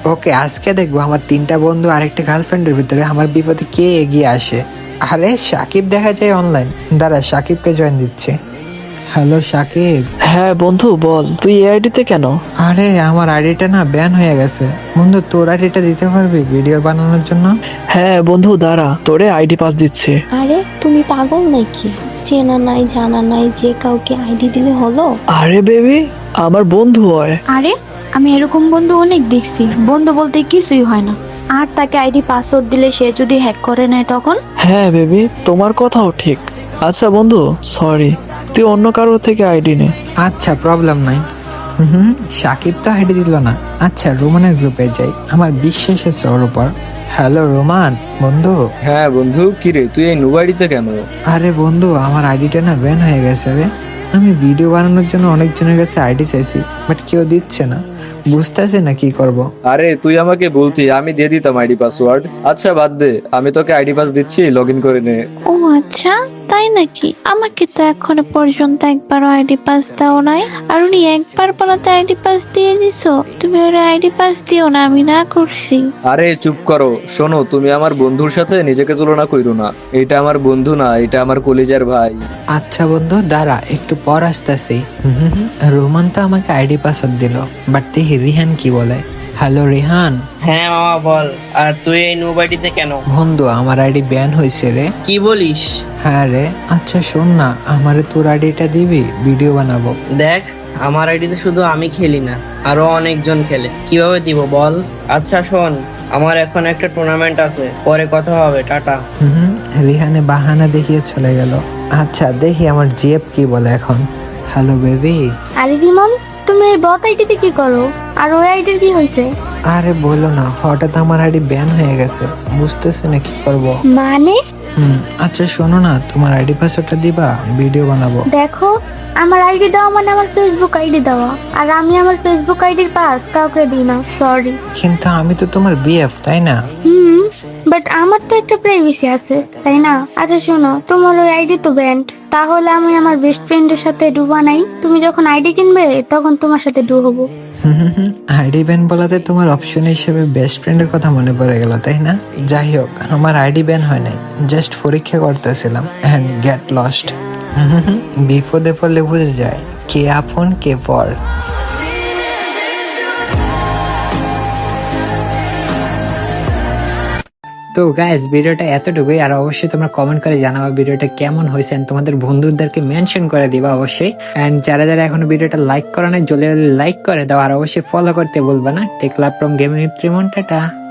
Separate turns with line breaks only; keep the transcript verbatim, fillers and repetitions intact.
ওকে, আজকে দেখবো আমার তিনটা বন্ধু আরেকটা গার্লফ্রেন্ডের ভিতরে আমার বিপদে কে এগিয়ে আসে। আরে সাকিব দেখা যায় অনলাইন, দাঁড়া সাকিবকে জয়েন দিচ্ছে। হ্যালো সাকিব।
হ্যাঁ বন্ধু বল, তুই এই আইডিতে কেন?
আরে আমার আইডিটা না ব্যান হয়ে গেছে। বন্ধু তোর আইডিটা দিতে পারবি ভিডিও বানানোর জন্য?
হ্যাঁ বন্ধু দাঁড়া, তোরে আইডি পাস দিচ্ছে।
আরে তুমি পাগল নাকি? চেনা নাই জানা নাই যে কাউকে আইডি দিলে হলো?
আরে বেবি, আমার বন্ধু হয়।
আরে আমি এরকম বন্ধু অনেক দেখছি, বন্ধু বলতে কিছুই হয় না। আর তাকে আইডি পাসওয়ার্ড দিলে সে যদি হ্যাক করে নেয় তখন?
হ্যাঁ বেবি, তোমার কথাও ঠিক। আচ্ছা বন্ধু, সরি, তুই অন্য কারোর থেকে আইডি নে।
আচ্ছা প্রবলেম নাই। হুম সাকিব তো আইডি দিল না। আচ্ছা রোমানের গ্রুপে যাই, আমার বিশ্বাস আছে ওর উপর। হ্যালো রোমান বন্ধু।
হ্যাঁ বন্ধু, কিরে তুই এই নুবাড়িতে কেন?
আরে বন্ধু আমার আইডিটা না ব্যান হয়ে গেছে রে। আমি ভিডিও বানানোর জন্য অনেকজনের কাছে আইডি চাইছি, বাট কেউ দিচ্ছে না, বুঝতেছে না কি করব।
আরে তুই আমাকে বলতি, আমি দিয়ে দিতাম আইডি পাসওয়ার্ড। আচ্ছা বাদ দে, আমি তোকে আইডি পাস দিচ্ছি, লগ ইন করে নে।
ও আচ্ছা, তাই নাকি? আমাকে তো এখনো পর্যন্ত একবারও আইডি পাস দাও নাই। আর উনি একবার বলাতে আইডি পাস দিয়ে দিছো? তুমি ওর আইডি পাস দিও না, আমি না করছি।
আরে চুপ করো, শোনো, তুমি আমার বন্ধুর সাথে নিজেকে তুলনা কইরো না। এটা আমার বন্ধু না, এটা আমার কলিজার ভাই।
আচ্ছা বন্ধু দাঁড়া, একটু পর আসতেছি। রোমান তো আমাকে আইডি পাসওয়ার্ড দিল, বাট দেখি রিহান কি বলে। হ্যালো রিহান।
হ্যাঁ মামা বল। আর তুই এই নৌবাড়িতে কেন?
বন্ধু আমার আইডি ব্যান হয়েছে রে।
কি বলিস?
হ্যাঁ রে। আচ্ছা শোন না, আমারে তোর আইডিটা দিবি, ভিডিও বানাবো।
দেখ, আমার আইডিতে শুধু আমি খেলি না, আরো অনেকজন খেলে। কিভাবে দিব বল? আচ্ছা শোন, আমার এখন একটা টুর্নামেন্ট আছে, পরে কথা হবে, টাটা।
হুম রিহানে বাহানা দেখিয়ে চলে গেল। আচ্ছা দেখি আমার জিএফ কি বলে এখন। Hello baby.
আরে বিমল, তুমি এই বট আইডিতে কি করো? আর ওই আইডির কি হয়েছে?
আরে বলো না, হঠাৎ আমার আইডি ব্যান হয়ে গেছে, বুঝতেছি না কি করবো।
মানে?
হুম আচ্ছা শোনো না, তোমার আইডি পাসওয়ার্ডটা দিবা, ভিডিও বানাবো।
দেখো, আমার আইডি দেওয়া মানে আমার ফেসবুক আইডি দেওয়া, আর আমি আমার ফেসবুক আইডির পাস কাউকে দিই না, সরি।
কিন্তু আমি তো তোমার বিএফ, তাই না?
হুম, বাট আমার তো একটা প্রাইভেসি আছে, তাই না? আচ্ছা শোনো, তোমার ওই আইডি তো ব্যান্ড, তাহলে আমি আমার বেস্ট ফ্রেন্ডের সাথে ডু বানাই। তুমি যখন আইডি কিনবে তখন তোমার সাথে ডু হবো।
আইডি ব্যান বলাতে তোমার অপশন হিসেবে বেস্ট ফ্রেন্ডের কথা মনে পড়ে গেল, তাই না? যাই হোক, আমার আইডি ব্যান হয় নাই, জাস্ট পরীক্ষা করতেছিলাম এন্ড গেট লস্ট। বিপদে পড়লে বুঝে যায় কে আপন কে পর। তো গাইস ভিডিওটা এতটুকুই, আর অবশ্যই তোমরা কমেন্ট করে জানাবা ভিডিওটা কেমন হয়েছে, and তোমাদের বন্ধুদেরকে মেনশন করে দিবা অবশ্যই। এন্ড যারা যারা এখনো ভিডিওটা লাইক করে নাই, জলদি লাইক করে দাও, আর অবশ্যই ফলো করতে বলবা না। Take love from gaming with Rimon, tata.